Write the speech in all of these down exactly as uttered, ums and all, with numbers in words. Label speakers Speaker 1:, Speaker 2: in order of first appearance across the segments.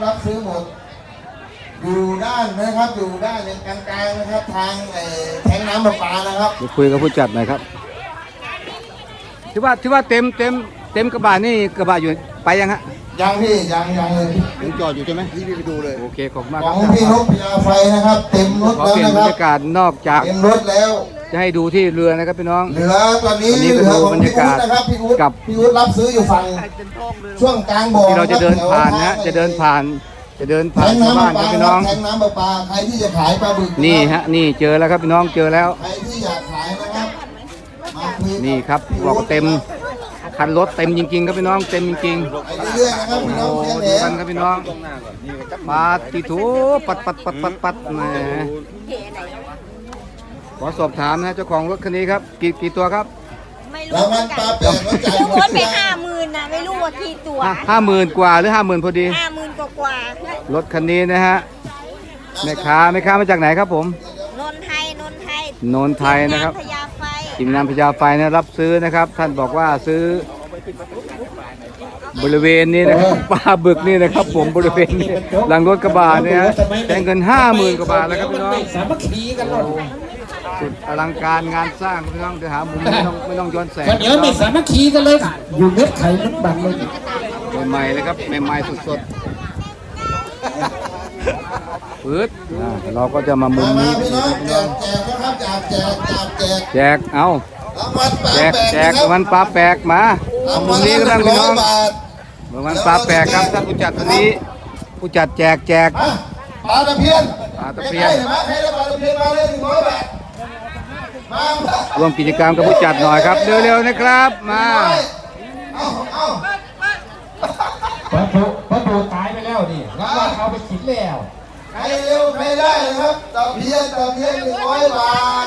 Speaker 1: รับซื้อหมดอยู่ด้านนะครับอยู่ด้านกลางๆนะครับทางแทงน้ำประปานะครับ
Speaker 2: คุยกับผู้จัดหน่อยครับที่ว่าที่ว่าเต็มเต็มเต็มกระบะนี่กระบะอยู่ไปยังฮะ
Speaker 1: ยังพี่ยังยังเลย
Speaker 2: ยังจอดอยู่ใช่ไหม
Speaker 1: พี่ไปดูเลย
Speaker 2: โอเคขอบคุณมาก
Speaker 1: ของพี่นกพญาไฟนะครับเต็มรถแล้วนะครับ
Speaker 2: บรรยากาศนอกจาก
Speaker 1: เต็มรถแล้ว
Speaker 2: จะให้ดูที่เรือนะครับพี่น้อง
Speaker 1: เรือตอนนี้เรือของพี่อุ๊ดนะครับพี่อุ๊ดกับพี่อุ๊ดรับซื้ออยู่ฝั่งช่วงกลางบ่อ
Speaker 2: ที่เราจะเดินผ่านนะจะเดินผ่านจะเดินผ่านชาวบ้านครับพี่น้อง
Speaker 1: แทงน้ำประปาใครที่จะขายปลาบึก
Speaker 2: นี่ฮะนี่เจอแล้วครับพี่น้องเจอแล้ว
Speaker 1: ใครที่อยากขายนะครับ
Speaker 2: นี่ครับบอกเต็มคันรถเต็มจริงๆครับพี่น้องเต็มจริง
Speaker 1: ๆเรื่อยๆนะครับพี่น้อง
Speaker 2: ดูกันครับพี่น้องปาติถูปัดปัดปัดปัดปัดแหมขอสอบถามนะเจ้าของรถคันนี้ครับกี่กี่ตัวครับ
Speaker 3: ไม่รู้เหมือนกันซื้อรถไปห้าหมื่นนะไม่รู้ว่ากี่ตัว
Speaker 2: ห้าหมื่นกว่าหรือห้าหมื่นพอดี
Speaker 3: ห้าหมื่นกว่ากว่าร
Speaker 2: ถคันนี้นะฮะแม่ค้าแม่ค้ามาจากไหนครับผม
Speaker 3: นนไทยนนไทย
Speaker 2: นนไทยนะครับ
Speaker 3: พญาไฟ
Speaker 2: ทีมงานพญาไฟนะรับซื้อนะครับท่านบอกว่าซื้อบริเวณนี้นะครับปลาบึกนี่นะครับผมบริเวณนี้หลังรถกระบะเนี่ยแต่เงินห้าหมื่นกว่าบาทแล้วครับพี่น้อง
Speaker 4: สามัคคีกันหมด
Speaker 2: สุดอลังการงานสร้างพี่น้องเดี๋ยวหามุมไม่ต้องไม่ต้องย้อนแสง
Speaker 4: เดี๋ยวไม่สามัคคีกันเลยอยู่เม็ดไข่เม็ดบังเลย
Speaker 2: ใหม่ๆเลยครับใหม่ๆสดๆปื๊ดเราก็จะมามุมนี้
Speaker 1: พี่น้องแจกแจกนะครับแจกแจกแจกแจก
Speaker 2: แจกเอาแจกแจกวันปลาแปลกมามุมนี้ก็ต้องพี่น้องวันปลาแปลกครับท่านผู้จัดวันนี้ผู้จัดแจกแจก
Speaker 1: ปลาตะเพียน
Speaker 2: ปลาตะเพียน
Speaker 1: มาใครได้ปลาตะเพียนมาเลยหนึ่งร้อยบาท
Speaker 2: ร่วมกิจกรรมกับผู้จัดหน่อยครับเร็วๆนะครับมา
Speaker 1: เอาเอา
Speaker 4: พระผูพระผูตายไปแล้วดิแล้วเขาไปขินแล้ว
Speaker 1: ใครเร็วใครได้ครับตะเพียนตะเพียนหนึ่งร้อยบาท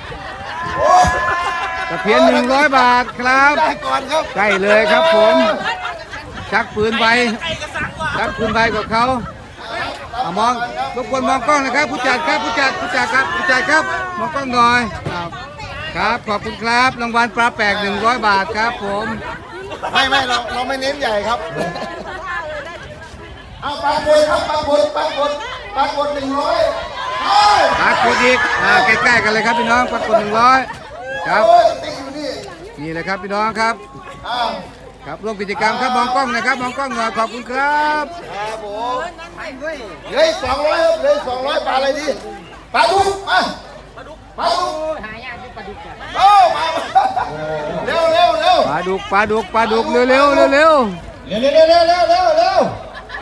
Speaker 2: ตะเพียนหนึ่งร้อยบาทครับใกล้เลยครับผมชักปืนไปชักปืนไปกับเขามองทุกคนมองกล้องนะครับผู้จัดครับผู้จัดผู้จัดครับผู้จัดครับมองกล้องหน่อยครับขอบคุณครับรางวัลปลาแปลกหนึ่งร้อยบาทครับผม
Speaker 1: ไม่ไม่เราเราไม่เน้นใหญ่ครับเอาปลาบดครับปลาบดปลาบดปลาบดหนึ่งร้อย
Speaker 2: ปลากดอีกใกล้ๆกันเลยครับพี่น้องปลากดหนึ่งร้อยครับนี่เลยครับพี่น้องครับครับร่วมกิจกรรมครับมองกล้องนะครับมองกล้องหน่อยขอบคุณครับ
Speaker 1: ครับผมเลยสองร้อยเลยสองร้อยปลาอะไรดีปลาดุกมาปลาดุกปลาดุกหายากที่ปลาดุกโอ้มาเร็วเร็วเร็ว
Speaker 2: ปลาดุกปลาดุกปลาดุกเร็วเร็วเร็วเร็ว
Speaker 4: เร็วเร็วเร็วเร็วเร็วเร็วเร็ว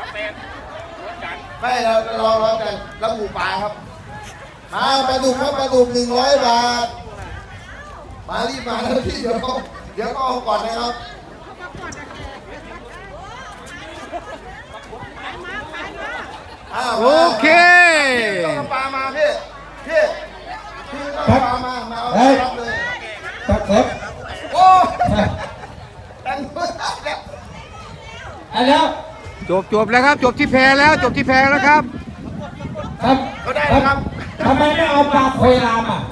Speaker 1: ไม่เราเราเราแต่ระบุปลาครับมาปลาดุกครับปลาดุกหนึ่งร้อยบาทมารีบมาแล้วพี่เดี๋ยวเดี๋ยวก็เอาก่อนนะครับ
Speaker 2: โอเค
Speaker 1: ปลามาพี่พี่พี่ปลามามาเอารับเลย
Speaker 4: ตักเล็บ
Speaker 1: โอ้ตังค์
Speaker 4: แล้ว
Speaker 2: จบจบแล้วครับจบที่แพแล้วจบที่แพแล้วครับ
Speaker 4: ครับ
Speaker 1: ก็ได้ครับ
Speaker 4: ทำไมไม่เอาปลาโคยรามอ่ะ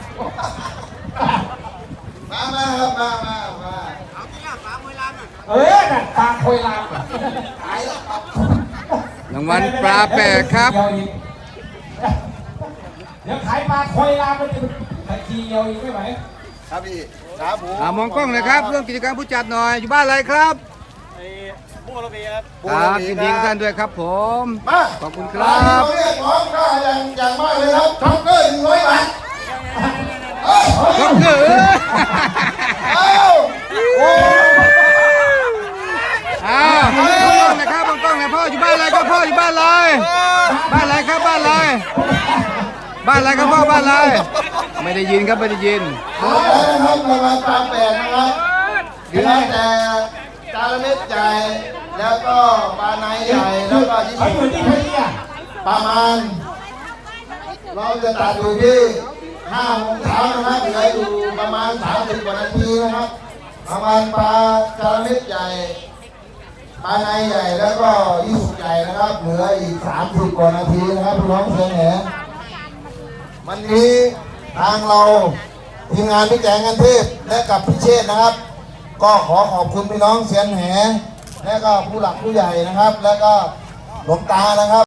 Speaker 1: มามาครับมามามา
Speaker 4: เอาที่หน้าปลาโคยรามเออน่ะปลาโคยราม
Speaker 1: ตายแล้ว
Speaker 2: รางวัลปลาแปลกครับ
Speaker 4: เดี๋ยวขายปลาโคยรามมันจะขายทีเดียวอีกไม่ไหว
Speaker 1: ครับพี่ครับผม
Speaker 2: มองกล้องเลยครับเรื่องกิจกรรมผู้จัดหน่อยอยู่บ้านอะไรครับ
Speaker 1: บุโรบีครับ
Speaker 2: ครับยินดีท่านด้วยครับผมขอบคุณครับ
Speaker 1: เราเรียกร้องค่าอย่างอย่างมากเลยครับท็อปเกอร์หนึ่งร้อยบาท
Speaker 2: ท็อปเกอร์
Speaker 1: เอ้าโอ้
Speaker 2: อ้าวมองกล้องนะครับมองกล้องนะพ่ออยู่บ้านอะไรครับพ่ออยู่บ้านอะไรบ้านอะไรครับบ้านอะไรบ้านอะไรครับพ่อบ้านอะไรไม่ได้ยินครับไม่ได้ยิน
Speaker 1: เอาแล้วนะครับรางวัลปลาแปลกนะครับเหลือแต่จาระเม็ดใหญ่แล้วก็ปลาในใหญ่แล้วก็ยี่สิบประมาณเราจะตัดอยู่ที่ห้าโมงเช้านะครับเหลืออยู่ประมาณสามสิบกว่านาทีนะครับประมาณปลาจาระเม็ดใหญ่ปลาในใหญ่แล้วก็ยี่สิบใหญ่นะครับเหลืออีกสามสิบกว่านาทีนะครับพี่น้องเชียงแหนวันนี้ทางเราทีมงานพี่แจงกันเทพและกับพี่เชษนะครับก็ขอขอบคุณพี่น้องเชียงแหนและก็ผู้หลักผู้ใหญ่นะครับแล้วก็หลวงตานะครับ